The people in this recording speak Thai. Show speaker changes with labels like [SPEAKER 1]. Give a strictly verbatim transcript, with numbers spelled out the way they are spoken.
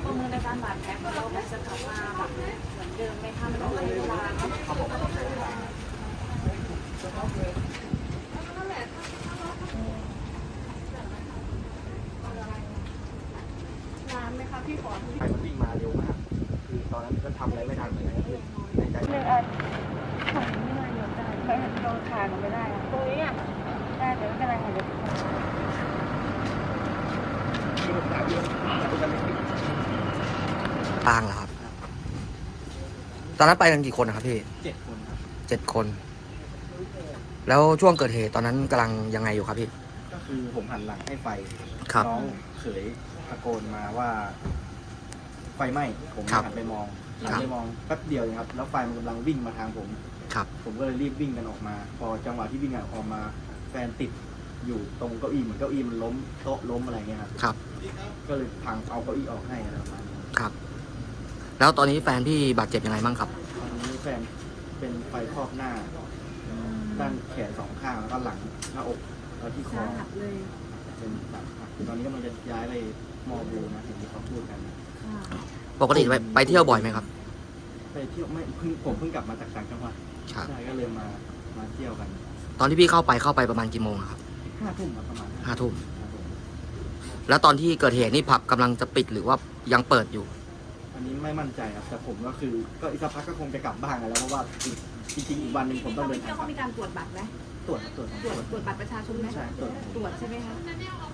[SPEAKER 1] ประเมินในการบาดแผลของเรามันจะกลับมาแบบเหมือนเดิมไหมคะมันต้องใช้เวลาเนอะ
[SPEAKER 2] เขาบอกว่าต้องใช้เวลา
[SPEAKER 1] นานไหมคะพี่ขอ
[SPEAKER 2] ไฟมันวิ่งมาเร็วมากคือตอนนั้นก็ทำอะไรไม่ทันเหมือนกันคือในใจ
[SPEAKER 1] หนึ่งอันของนี่มาเยอะได้ไปเห็นโดนขาหนูไม่ได้อะตรงนี้อ่ะได้เดี๋ยวไม่เป็นไรค่ะเดี๋ยว
[SPEAKER 2] ที่ผมถามอยู่แต่เป็นการไม่ผิด
[SPEAKER 3] ปางเหรอครับ ตอนนั้นไปกันกี่คนนะครับพี่
[SPEAKER 2] เจ็ดคนครับ
[SPEAKER 3] เจ็ดคน แล้วช่วงเกิดเหตุตอนนั้นกำลังยังไงอยู่ครับพี่
[SPEAKER 2] ก็คือผมหันหลังให้ไฟ
[SPEAKER 3] ครับ
[SPEAKER 2] น้องเขยตะโกนมาว่า ไฟไหม้ผม
[SPEAKER 3] ครับ
[SPEAKER 2] หันไปมองหัน
[SPEAKER 3] ครับ
[SPEAKER 2] ไปมองแป๊บเดียวเองครับแล้วไฟมันกำลังวิ่งมาทางผม
[SPEAKER 3] ครับ
[SPEAKER 2] ผมก็เลยรีบวิ่งกันออกมา พอจังหวะที่วิ่งกันออกมา แฟนติดอยู่ตรงเก้าอี้เหมือนเก้าอี้มันล้มโต๊ะล้มอะไรเงี้ยครับ
[SPEAKER 3] ครับ
[SPEAKER 2] ก็เลยพังเอาเก้าอี้ออกให้อะไรประมาณนี้
[SPEAKER 3] ครับ แล้วตอนนี้แฟนพี่บาดเจ็บยังไงบ้างครับ
[SPEAKER 2] ตอนนี้แฟนเป็นไฟครอบหน้า ด้านแขนสองข้างแล้วก็หลังหน้าอกแล้วที่คอ
[SPEAKER 1] สาหัสเลย
[SPEAKER 2] เป็นแบบตอนนี้กำลังจะย้ายไปมอบูนะเห็นที่เขาพูดกัน
[SPEAKER 1] ค่ะ
[SPEAKER 3] ปกติไปไปเที่ยวบ่อยไหมครับ
[SPEAKER 2] ไปเที่ยวไม่เพิ่งผมเพิ่งกลับมาจากต่างจังหวัด
[SPEAKER 3] ครับ
[SPEAKER 2] ใช่ก็เลยมามาเที่ยวกัน
[SPEAKER 3] ตอนที่พี่เข้าไปเข้าไปประมาณกี่โมงอะครับ
[SPEAKER 2] ห้าทุ่มครับประมาณ
[SPEAKER 3] ห้าทุ่ม
[SPEAKER 2] ครับผม
[SPEAKER 3] แล้วตอนที่เกิดเหตุนี่ผับกำลังจะปิดหรือว่ายังเปิดอยู่
[SPEAKER 2] อันนี้ไม่มั่นใจครับแต่ผมก็คือก็อีกสักพักก็คงจะกลับบ้านกันแล้วเพราะว่าจริงๆอีกวันหนึ่งผมต้องเดินทางกลั
[SPEAKER 1] เขา
[SPEAKER 2] บ
[SPEAKER 1] มีการตรวจบัตรไหม
[SPEAKER 2] ตรวจครับตรวจครับ
[SPEAKER 1] ตรวจตรวจบัตรประชาชนไหม
[SPEAKER 2] ใช่ตรวจ
[SPEAKER 1] ตรวจใช่ไหมคะ